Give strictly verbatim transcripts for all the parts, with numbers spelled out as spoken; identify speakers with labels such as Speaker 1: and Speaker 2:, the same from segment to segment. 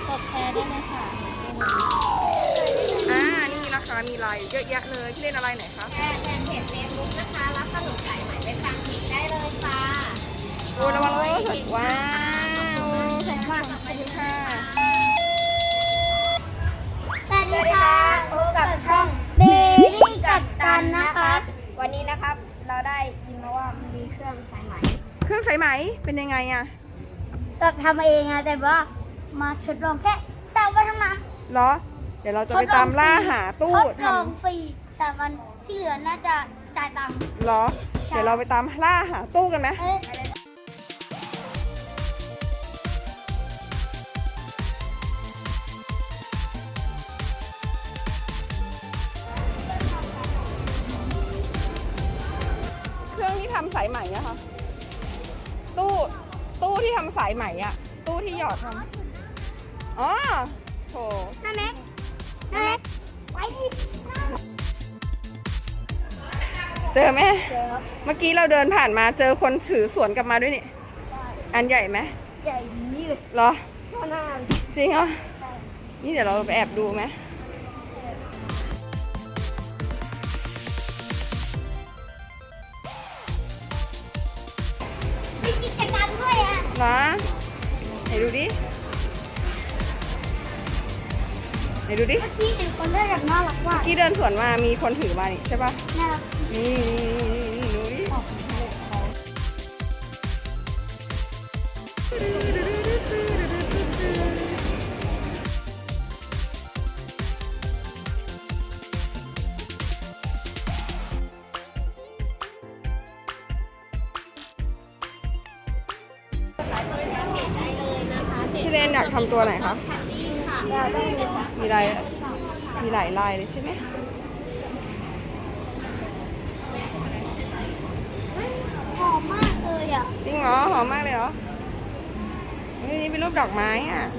Speaker 1: กดแชร์ได้เลยค่ะ
Speaker 2: อ่านี่นะคะมีไลน์เยอะแยะเลยที่เล่นอะไรไหนคะ
Speaker 1: แชร์แฟนเพจเฟซบุ๊กนะคะรับขนมสายไหมไปฟังฟรีได้เลยค่ะ
Speaker 2: โอ้ระวังรถว้าวขอบคุณขอบคุณค่ะ
Speaker 3: สวัสดีค่ะพบกับช่องเบบี้กับตันนะครับวันนี้นะครับเราได้ยินมาว่ามีเครื่องสายไหม
Speaker 2: เครื่องสายไหมเป็นยังไงอะ
Speaker 3: ก็ทำเองอะแต่ว่ามาทดลองแค่สามวันเท่านั้น
Speaker 2: เหรอเดี๋ยวเราจะไปตามล่าหาตู้
Speaker 3: ทด
Speaker 2: ท
Speaker 3: ลองฟรีสามวันที่เหลือน่าจะจ่ายตังค์
Speaker 2: ำเหรอเดี๋ยวเราไปตามล่าหาตู้กันไหม
Speaker 3: เอ้ย
Speaker 2: เครื่องที่ทำสายไหมอะค่ะตู้ตู้ที่ทำสายไหมอะตู้ที่หยอดทำอ๋อโถ
Speaker 3: น้าเล็กน้าเล็กไปดิ
Speaker 2: เจอไหม
Speaker 3: เจอครับ
Speaker 2: เมื่อกี้เราเดินผ่านมาเจอคนถือสวนกลับมาด้วยนี่อันใหญ่ไหม
Speaker 3: ใหญ่นี่เลย
Speaker 2: เหรอ
Speaker 3: เท่าหน้า
Speaker 2: จริงเหรอนี่เดี๋ยวเราไปแอบดูไหม
Speaker 3: มีกิจกรรมด้วยอะ
Speaker 2: เหรอไหนดูดิไหนดูดิ
Speaker 3: เมื่อกี้เห็นคนได้แบบน่ารักว่า
Speaker 2: เมื่อกี้เดินสวนมามีคนถือมานี่ใช่ปะ
Speaker 3: น่ารัก
Speaker 2: นี่นี่นี่ดูดิพี่เลนอยากทำตัวไหนคะมีลายมีหลายลายเลยใช่ไหม
Speaker 3: หอมมากเลยอ่ะ
Speaker 2: จริงเหรอหอมมากเลยเหรอเฮ้ยนี่เป็นรูปดอกไม้อ่ะ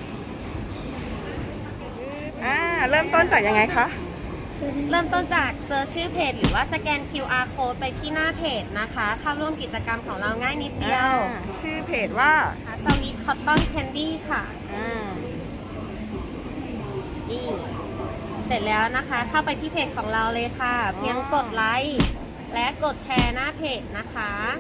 Speaker 2: อ่าเริ่มต้นจากยังไงคะ
Speaker 1: เริ่มต้นจากเซิร์ชชื่อเพจหรือว่าสแกน คิว อาร์ code ไปที่หน้าเพจนะคะเข้าร่วมกิจกรรมของเราง่ายนิดเดียว
Speaker 2: อ่าชื่อเพจว่า
Speaker 1: สวีทคอตตอนแคนดี้ค่ะ
Speaker 2: อ่า
Speaker 1: นี่เสร็จแล้วนะคะเข้าไปที่เพจของเราเลยค่ะ เพียงกดไลค์และกดแชร์หน้าเพจนะคะ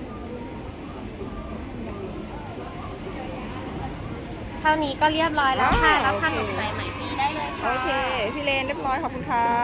Speaker 1: เท่านี้ก็เรียบร้อยแล้วค่ะรับขนมสายไหมฟรีได้เลย
Speaker 2: โอ
Speaker 1: ค่ะ
Speaker 2: เคพี่เลนเรียบร้อยขอบคุณครับ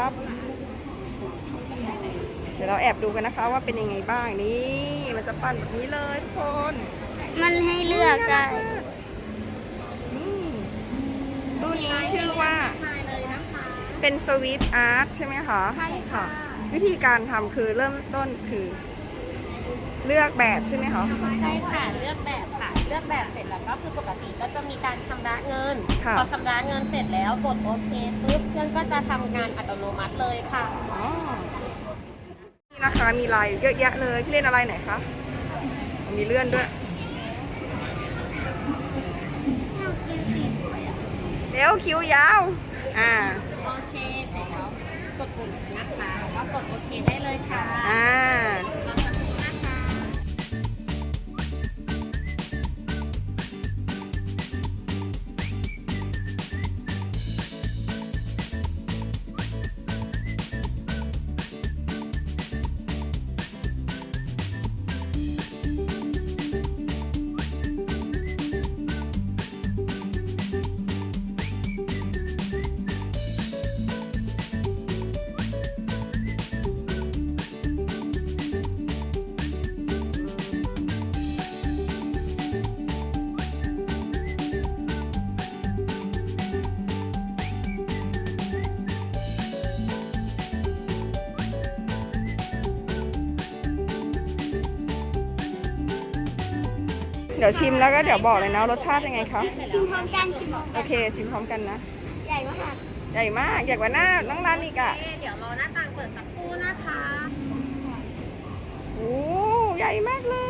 Speaker 2: เดี๋ยวเราแอบดูกันนะคะว่าเป็นยังไงบ้างนี่มันจะปั้นแบบนี้เลยทุกคน
Speaker 3: มันให้เลือกได้
Speaker 2: นี่ตู้นี้ชื่อว่า
Speaker 1: มาเลยนะคะ
Speaker 2: เป็นสวีทอาร์ตใช่ไหมคะ
Speaker 1: ใช่ค่ะ
Speaker 2: วิธีการทำคือเริ่มต้นคือ เลือกแบบใช่ไหมคะ
Speaker 1: ใช่ค่ะเลือกแบบค่ะเลือกแบบเสร็จแล้วก็คือปกติก็จะมีการชำระเงิน
Speaker 2: ค่ะ
Speaker 1: พอชำระเงินเสร็จแล้วกดโอเคปุ๊บเครื่องก็จะทำงานอัตโนมัติเลยค่ะ
Speaker 2: อ๋อนี่นะคะมีลายเยอะแยะเลยที่เล่นอะไรไหนคะมีเลื่อนด้วยเดี๋ยวคิ้วยาวอ่า
Speaker 1: โอเคเสร็จแล้วกดปุ่มนะคะแล้วก็กดโอเคได้เลยค่ะ
Speaker 2: อ่า
Speaker 1: รอสักครู่นะคะ
Speaker 2: เดี๋ยวชิมแล้วก็เดี๋ยวบอกเลยนะรสชาติยังไงคะ
Speaker 3: ชิมพร้อมกันชิมพร้อม
Speaker 2: โอเคชิมพร้อมกันนะ
Speaker 3: ใหญ่มาก
Speaker 2: ใหญ่มากใหญ่กว่าหน้าน้องร้านอีกอ่ะ
Speaker 1: โอเคเดี๋ยวรอหน้าต่างเปิดสักครู่นะคะ
Speaker 2: โอ้ใหญ่มากเลย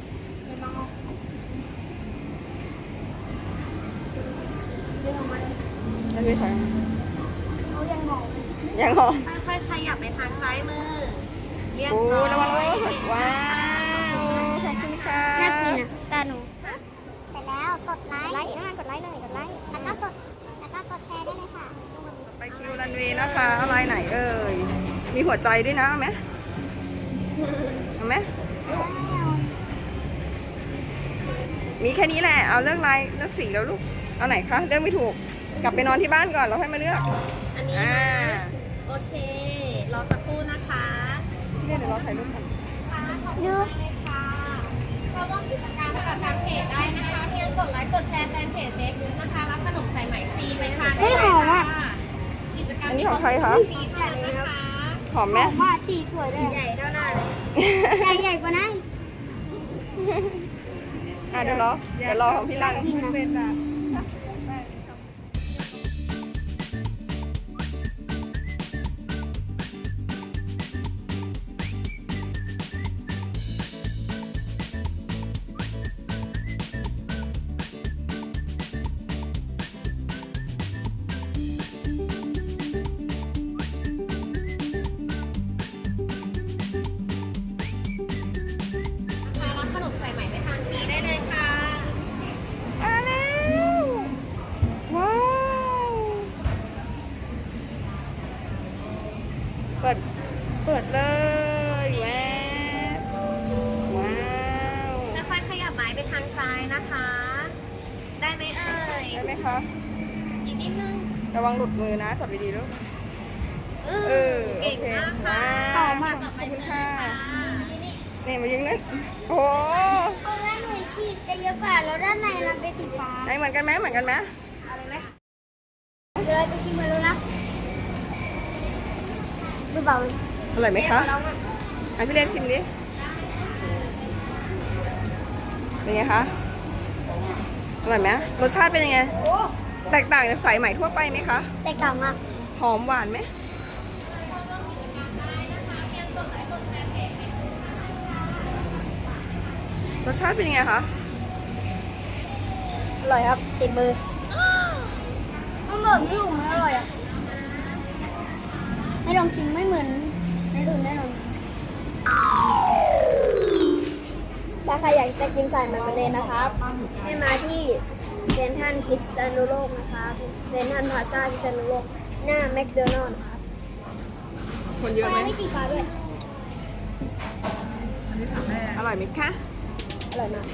Speaker 3: เรื่องมัน
Speaker 2: แล้วพี่ใส่
Speaker 3: เขายังมอง
Speaker 2: ยังเหรอ
Speaker 1: ค่อยๆขยับไปทางซ้ายมือเรียบ
Speaker 2: โอ้
Speaker 1: ร้อย
Speaker 2: ระวังรถว้าวขอบคุณค่ะ
Speaker 3: น่ากินอ่ะตาหนูเสร็จแล้วกดไลค์ไลค์กดไลค์เลยกดไลค์แล้วก็กด
Speaker 2: ายไหนเอ่ย มีหัวใจด้วยนะเอาไหมเอาไหมมีแค่นี้แหละ เอาเลือกลายเลือกสีแล้วลูก เอาไหนคะ เลือกไม่ถูก กลับไปนอนที่บ้านก่อนแล้วค่อยมาเลือก
Speaker 1: อันนี้
Speaker 2: อ่า
Speaker 1: นะโอเค รอสักครู่นะคะ
Speaker 2: พี่เดี๋ยวเราถ่ายรูปกัน
Speaker 1: ดูเลยค่ะเราร่วมกิจกรรมกับทางเพจได้นะคะเพียงกดไลค์กดแชร์แฟนเพจเฟซบุ๊กนะคะรับขนมสายไหมฟรีไปทานได้เลยค่ะกิจกรรม
Speaker 2: อันนี้ของใครคะ
Speaker 1: ฟรีเท่านั้นนะคะ
Speaker 2: หอมไหม
Speaker 3: ว่าสีสวยเลยใหญ่เท่าหน้าเลยใหญ่ใหญ่กว่านั้น
Speaker 2: อ่ะเดี๋ยวรอ เดี๋ยวรอของพี่ลัน
Speaker 3: จริงนะ
Speaker 1: รับขนมสายไหมไปทานฟรีได้เลยค่ะ
Speaker 2: มาแล้วว้าว เปิด เปิดเลยแวบว้าว
Speaker 1: ค่อยๆขยับไม้ไปทางซ้ายนะคะ ได้ไหมเอ่ย
Speaker 2: ได้ไหมคะ
Speaker 1: อีกนิดนึง
Speaker 2: ระวังหลุดมือนะจับดีๆลูก
Speaker 1: เอ
Speaker 2: เอ
Speaker 1: อ
Speaker 2: อ
Speaker 1: เก่งมากค่ะ
Speaker 2: ว้าว
Speaker 1: ต่อ
Speaker 2: ข
Speaker 1: มา
Speaker 2: อบ
Speaker 1: ต่อไป
Speaker 2: คุณ
Speaker 1: เชิญ
Speaker 2: ค่ะ
Speaker 1: ค่ะ
Speaker 2: นี่มายิงนั่นโอ้โห
Speaker 3: คนละหน่วยกีบจะเยอะกว่าแล้วด้านในมันเป็นสีฟ้า
Speaker 2: ไหนเหมือนกันไหมเหมือนกันไหม
Speaker 3: อะไรไหมเดี๋ยวเราจะชิมมันแล้วนะดูเบาเลย
Speaker 2: อร่อยไหมคะ
Speaker 3: เราอะ
Speaker 2: อ่ะพี่เล่นชิมดิ เป็นไงคะ อร่อยไหมรสชาติเป็นยังไง
Speaker 3: โอ้
Speaker 2: แตกต่างจากสายไหมทั่วไปไหมคะ
Speaker 3: แตกต่างมาก
Speaker 2: หอมหวานไหม รสชาติเป็นยังไงคะ
Speaker 3: อร่อยครับติดมือมันบอกไม่ถูกมันอร่อยอ่ะให้ลองชิมไม่เหมือนในอื่นแน่นอนถ้าใครอยากจะกินสายมันประเด็นนะครับ ให้มาที่เซนทรัลพิษณุโลกนะครับเซนทรัลพลาซ่าพิษณุโลกหน้าแมคโดนัลด์นะครับ
Speaker 2: คนเยอะไหม
Speaker 3: ไม่สีฟ้าด้วย
Speaker 2: อร่อยไหมคะ
Speaker 3: อร่อยมาก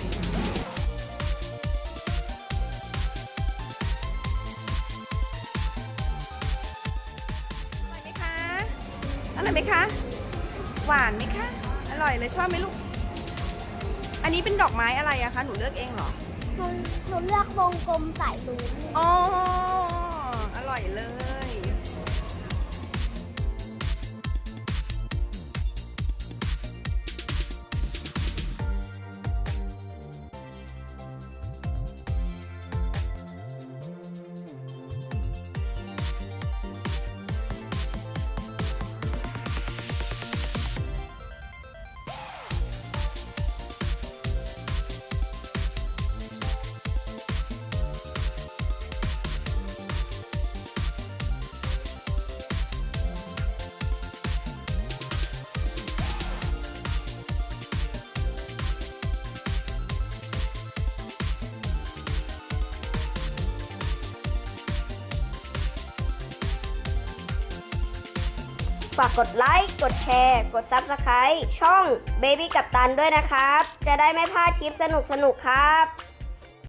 Speaker 2: อร่อยไหมคะ อร่อยไหมคะ หวานไหมคะ อร่อยเลยชอบไหมลูก อันนี้เป็นดอกไม้อะไรอะคะ หนูเลือกเองเหรอ
Speaker 3: หนูหนูเลือกวงกลมสายรุ้ง
Speaker 2: อ๋อ อร่อยเลย
Speaker 3: ฝากกดไลค์ กดแชร์ กด ซับสไครบ์ ช่อง Baby กัปตันด้วยนะครับ จะได้ไม่พลาดคลิปสนุกๆครับ